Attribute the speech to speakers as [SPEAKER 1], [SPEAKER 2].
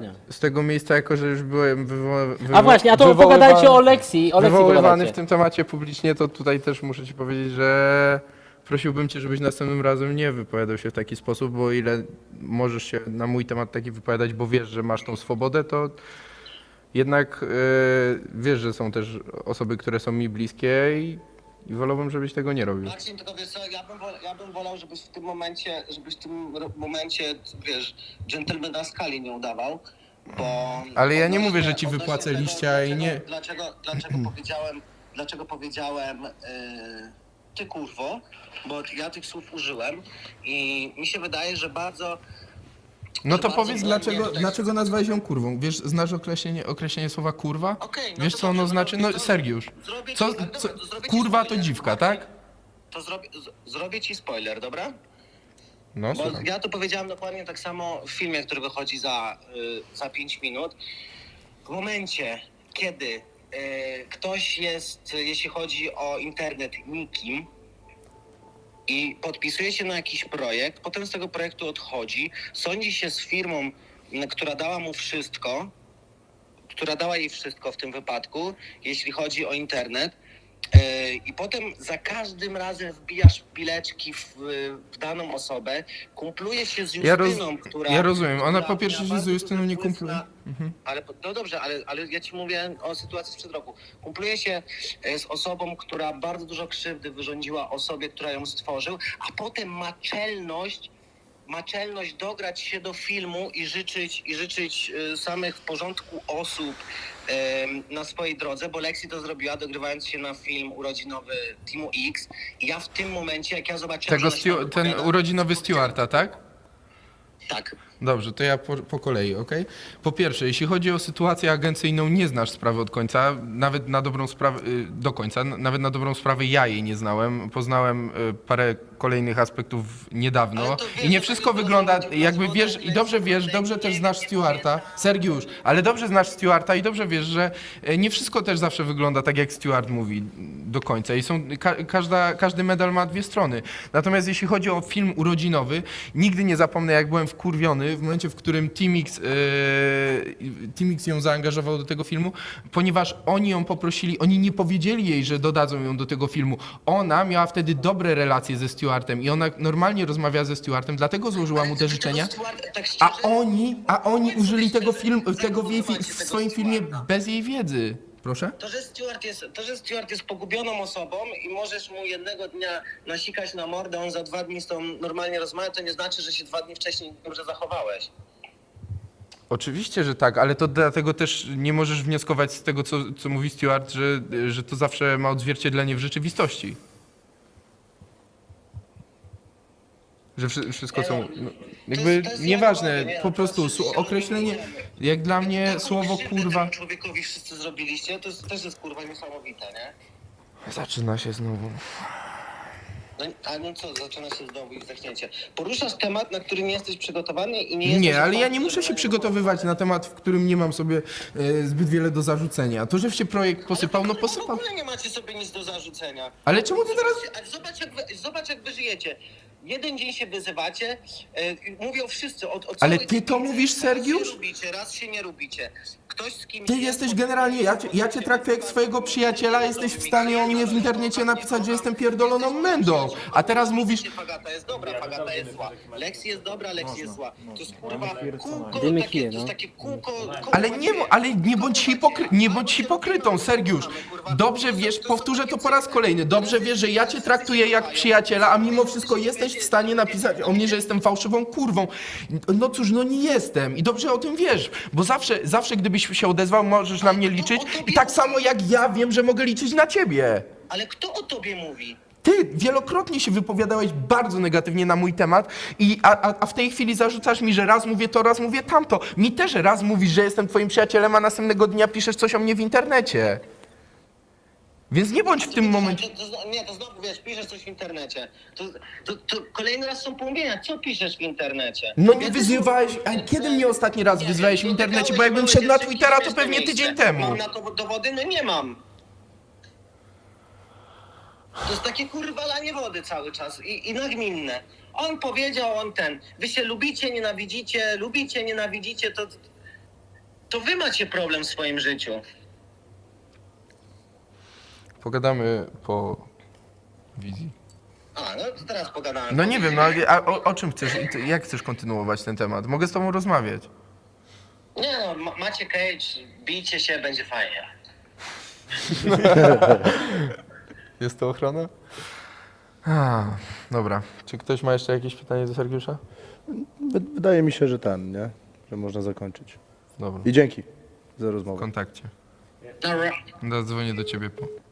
[SPEAKER 1] Dokładnie.
[SPEAKER 2] z tego miejsca, jako że już byłem
[SPEAKER 1] A właśnie, a to pogadajcie o Leksji.
[SPEAKER 2] wywoływany
[SPEAKER 1] Pogadajcie.
[SPEAKER 2] w tym temacie publicznie, to tutaj też muszę ci powiedzieć, że prosiłbym cię, żebyś następnym razem nie wypowiadał się w taki sposób, bo o ile możesz się na mój temat taki wypowiadać, bo wiesz, że masz tą swobodę, to jednak wiesz, że są też osoby, które są mi bliskie i wolałbym, żebyś tego nie robił.
[SPEAKER 3] Maksim, tylko wiesz co, ja bym wolał, żebyś w tym momencie, wiesz, dżentelmena skali nie udawał, bo...
[SPEAKER 2] Ale ja nie
[SPEAKER 3] odnośnie-
[SPEAKER 2] mówię, że ci
[SPEAKER 3] odnośnie
[SPEAKER 2] wypłacę
[SPEAKER 3] tego,
[SPEAKER 2] liścia i nie...
[SPEAKER 3] Dlaczego powiedziałem ty kurwo, bo ja tych słów użyłem i mi się wydaje, że bardzo...
[SPEAKER 2] No
[SPEAKER 3] że
[SPEAKER 2] to
[SPEAKER 3] bardzo
[SPEAKER 2] powiedz,
[SPEAKER 3] błędnie tutaj-
[SPEAKER 2] dlaczego nazwałeś ją kurwą? Wiesz, znasz określenie słowa kurwa?
[SPEAKER 3] Okej, no
[SPEAKER 2] Wiesz,
[SPEAKER 3] to
[SPEAKER 2] co ono
[SPEAKER 3] dobrze,
[SPEAKER 2] znaczy?
[SPEAKER 3] no
[SPEAKER 2] No,
[SPEAKER 3] to
[SPEAKER 2] Sergiusz,
[SPEAKER 3] zrobię
[SPEAKER 2] co,
[SPEAKER 3] ci- dobra, to zrobię ci
[SPEAKER 2] kurwa to
[SPEAKER 3] spoiler.
[SPEAKER 2] dziwka,
[SPEAKER 3] Okej.
[SPEAKER 2] tak?
[SPEAKER 3] To zrobię ci spoiler, dobra?
[SPEAKER 2] No,
[SPEAKER 3] Bo
[SPEAKER 2] słucham.
[SPEAKER 3] ja to powiedziałem dokładnie tak samo w filmie, który wychodzi za 5 minut. W momencie, kiedy ktoś jest, jeśli chodzi o internet, nikim i podpisuje się na jakiś projekt, potem z tego projektu odchodzi, sądzi się z firmą, która dała mu wszystko, która dała jej wszystko w tym wypadku, jeśli chodzi o internet, i potem za każdym razem wbijasz pileczki w daną osobę, kumpluje się z Justyną, która...
[SPEAKER 2] Ja rozumiem, ona
[SPEAKER 3] która
[SPEAKER 2] po pierwsze
[SPEAKER 3] miała
[SPEAKER 2] się z
[SPEAKER 3] bardzo
[SPEAKER 2] Justyną
[SPEAKER 3] duży
[SPEAKER 2] nie
[SPEAKER 3] wpływ
[SPEAKER 2] kumpluje.
[SPEAKER 3] Ale, no dobrze, ale ja ci mówię o sytuacji sprzed roku. Kumpluje się z osobą, która bardzo dużo krzywdy wyrządziła osobie, która ją stworzył, a potem ma czelność dograć się do filmu i życzyć samych w porządku osób na swojej drodze, bo Lexi to zrobiła, dogrywając się na film urodzinowy Teamu X. I ja w tym momencie, jak ja zobaczyłem...
[SPEAKER 2] Tego
[SPEAKER 3] że ona się tam
[SPEAKER 2] ten
[SPEAKER 3] wypowiada,
[SPEAKER 2] urodzinowy Stewarta, tak?
[SPEAKER 3] Tak.
[SPEAKER 2] Dobrze, to ja po kolei, okej? Po pierwsze, jeśli chodzi o sytuację agencyjną, nie znasz sprawy od końca, nawet na dobrą sprawę, do końca, nawet na dobrą sprawę ja jej nie znałem. Poznałem parę kolejnych aspektów niedawno
[SPEAKER 3] Ale to wiesz,
[SPEAKER 2] i nie
[SPEAKER 3] to
[SPEAKER 2] wszystko
[SPEAKER 3] nie
[SPEAKER 2] wygląda,
[SPEAKER 3] było
[SPEAKER 2] jakby
[SPEAKER 3] to
[SPEAKER 2] wiesz, i dobrze wiesz, dobrze też znasz Stewarta, Sergiusz, ale dobrze znasz Stewarta i dobrze wiesz, że nie wszystko też zawsze wygląda tak, jak Stewart mówi do końca i są, każdy medal ma dwie strony. Natomiast jeśli chodzi o film urodzinowy, nigdy nie zapomnę, jak byłem wkurwiony w momencie, w którym Team X ją zaangażował do tego filmu, ponieważ oni ją poprosili, oni nie powiedzieli jej, że dodadzą ją do tego filmu. Ona miała wtedy dobre relacje ze Stewartem i ona normalnie rozmawiała ze Stewartem, dlatego złożyła mu te życzenia. A oni użyli tego w swoim filmie bez jej wiedzy. Proszę?
[SPEAKER 3] To, że Stewart jest pogubioną osobą i możesz mu jednego dnia nasikać na mordę, on za 2 dni z tą normalnie rozmawia, to nie znaczy, że się 2 dni wcześniej dobrze zachowałeś.
[SPEAKER 2] Oczywiście, że tak, ale to dlatego też nie możesz wnioskować z tego, co mówi Stewart, że to zawsze ma odzwierciedlenie w rzeczywistości. Że wszystko są, no, jakby
[SPEAKER 3] to jest
[SPEAKER 2] nieważne,
[SPEAKER 3] jakowe, nie?
[SPEAKER 2] po prostu określenie, jak dla mnie
[SPEAKER 3] Taką
[SPEAKER 2] słowo
[SPEAKER 3] krzywdę
[SPEAKER 2] kurwa...
[SPEAKER 3] temu człowiekowi wszyscy zrobiliście, to też jest kurwa niesamowite, nie?
[SPEAKER 2] Zaczyna się znowu.
[SPEAKER 3] No co, zaczyna się znowu i zaczniecie. Poruszasz temat, na który nie jesteś przygotowany i nie jesteś...
[SPEAKER 2] Nie, ale ja nie muszę się przygotowywać na temat, w którym nie mam sobie zbyt wiele do zarzucenia. To, że się projekt posypał, no
[SPEAKER 3] W
[SPEAKER 2] posypał.
[SPEAKER 3] ogóle nie macie sobie nic do zarzucenia.
[SPEAKER 2] Ale czemu ty teraz...
[SPEAKER 3] Ale zobacz jak wy żyjecie. Jeden dzień się wyzywacie, mówią wszyscy o
[SPEAKER 2] Ale
[SPEAKER 3] całej
[SPEAKER 2] ty
[SPEAKER 3] tej
[SPEAKER 2] to
[SPEAKER 3] piłce.
[SPEAKER 2] mówisz, Sergiusz?
[SPEAKER 3] Raz się lubicie, raz się nie lubicie. Ktoś z kimś...
[SPEAKER 2] Ty jesteś generalnie, ja cię traktuję jak swojego przyjaciela, jesteś w stanie o mnie w internecie napisać, że jestem pierdoloną mędą. A teraz mówisz...
[SPEAKER 3] Fagata jest dobra, Fagata jest zła. Lexi jest dobra, Lexi jest zła. To jest kurwa kółko,
[SPEAKER 1] Dymy
[SPEAKER 3] takie,
[SPEAKER 1] kije,
[SPEAKER 3] to jest
[SPEAKER 1] no.
[SPEAKER 3] takie kółko...
[SPEAKER 2] Ale nie bądź hipokrytą, Sergiusz. Dobrze wiesz, powtórzę to po raz kolejny, dobrze wiesz, że ja cię traktuję jak przyjaciela, a mimo wszystko jesteś w stanie napisać o mnie, że jestem fałszywą kurwą. No cóż, no nie jestem i dobrze o tym wiesz, bo zawsze gdybyś się odezwał, możesz na mnie liczyć i tak samo jak ja wiem, że mogę liczyć na ciebie.
[SPEAKER 3] Ale kto o tobie mówi?
[SPEAKER 2] Ty wielokrotnie się wypowiadałeś bardzo negatywnie na mój temat, a w tej chwili zarzucasz mi, że raz mówię to, raz mówię tamto. Mi też raz mówisz, że jestem twoim przyjacielem, a następnego dnia piszesz coś o mnie w internecie. Więc nie bądź w tym momencie...
[SPEAKER 3] To znowu, wiesz, piszesz coś w internecie. To kolejny raz są pomówienia. Co piszesz w internecie?
[SPEAKER 2] No nie wyzywałeś... A kiedy mnie ostatni raz wyzwałeś w internecie? Bo jakbym wszedł na Twittera, to pewnie tydzień temu.
[SPEAKER 3] Mam na to dowody? No nie mam. To jest takie kurwa lanie wody cały czas i nagminne. On powiedział, on ten. Wy się lubicie, nienawidzicie, to... to wy macie problem w swoim życiu.
[SPEAKER 2] Pogadamy po wizji.
[SPEAKER 3] A, no to teraz pogadałem.
[SPEAKER 2] No nie wiem, no a o czym chcesz, jak chcesz kontynuować ten temat? Mogę z tobą rozmawiać.
[SPEAKER 3] Nie no, macie Cage, bijcie się, będzie fajnie.
[SPEAKER 2] Jest to ochrona? Dobra. Czy ktoś ma jeszcze jakieś pytanie do Sergiusza?
[SPEAKER 4] Wydaje mi się, że nie? Że można zakończyć.
[SPEAKER 2] Dobra.
[SPEAKER 4] I dzięki za
[SPEAKER 2] W
[SPEAKER 4] rozmowę.
[SPEAKER 2] kontakcie.
[SPEAKER 3] Dobra.
[SPEAKER 2] Zadzwonię do ciebie po.